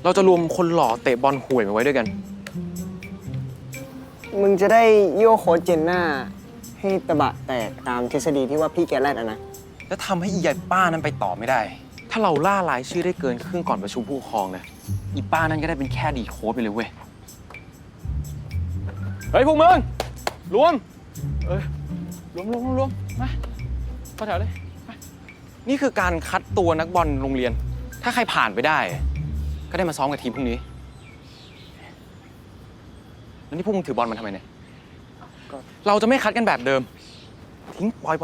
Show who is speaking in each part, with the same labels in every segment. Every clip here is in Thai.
Speaker 1: เราจะรวมคนหล่อเตะบอลห่วยมาไว้ด้วยกัน
Speaker 2: มึงจะได้โยกโค้ชเจนหน้าให้ตะบะแตกตามทฤษฎีที่ว่าพี่แกแรดอะนะ
Speaker 1: แล้วทำให้อียายป้านั้นไปต่อไม่ได้ ถ้าเราล่ารายชื่อได้เกินครึ่งก่อนประชุมผู้ปกครองนะอีป้านั้นก็ได้เป็นแค่ดีโค้ชไปเลยเว้ย เฮ้ยพวกมึงรวมรวมมาเข้าแถวเลยมานี่คือการคัดตัวนักบอลโรงเรียน ถ้าใครผ่านไปได้ ก็ได้มาซ้อมกับทีมพรุ่งนี้ แล้วนี่พวกมึงถือบอลมาทำไมเนี่ย เราจะไม่คัดกันแบบเดิม ทิ้งปล่อย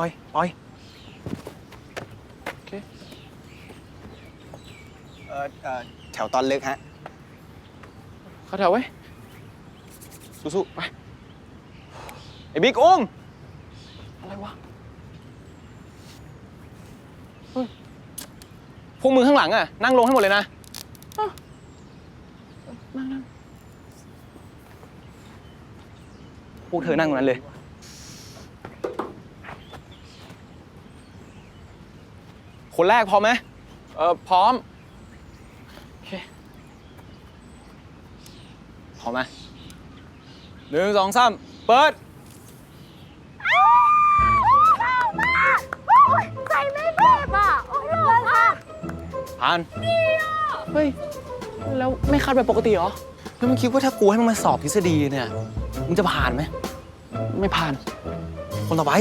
Speaker 1: โอเค
Speaker 2: แถวตอนลึกฮะ
Speaker 1: เข้าแถวไว้สู้ๆไปไอ้บิ๊กอุ้มอะไรวะพวกมึงข้างหลังอ่ะนั่งลงให้หมดเลยนะนั่งพวกเธอนั่งตรงนั้นเลยคนแรกพร้อมไหมพร้อมโอเคพร้อมไหม1 2 3เปิด
Speaker 3: ใส่ไม่เจ็บอ่ะโอ้ยเลยค่ะ
Speaker 1: ผ่านเฮ้ยแล้วไม่คัดแบบปกติเหรอแล้วมึงคิดว่าถ้ากูให้มึงมาสอบทฤษฎีเนี่ยมึงจะผ่านไหมไม่ผ่านคนต่อไป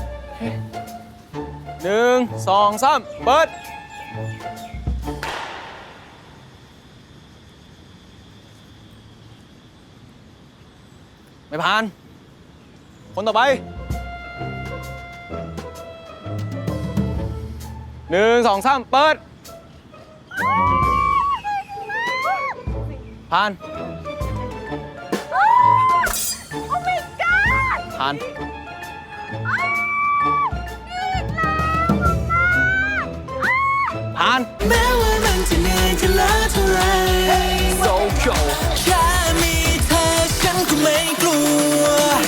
Speaker 1: 1 2 3เปิดไม่ผ่านคนต่อไป1 2 3เปิดผ่านผ่านผ่าน
Speaker 4: แม้ว่ามันจะเหนื่อยจะล้าเท่าไร
Speaker 1: So cool
Speaker 4: แค่มีเธอฉันก็ไม่กลัว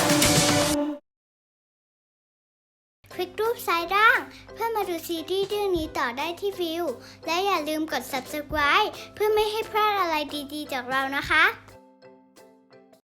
Speaker 3: คลิกรูปซ้ายล่างเพื่อมาดูซีรีส์เรื่องนี้ต่อได้ที่วิวและอย่าลืมกด subscribe เพื่อไม่ให้พลาดอะไรดีๆจากเรานะคะ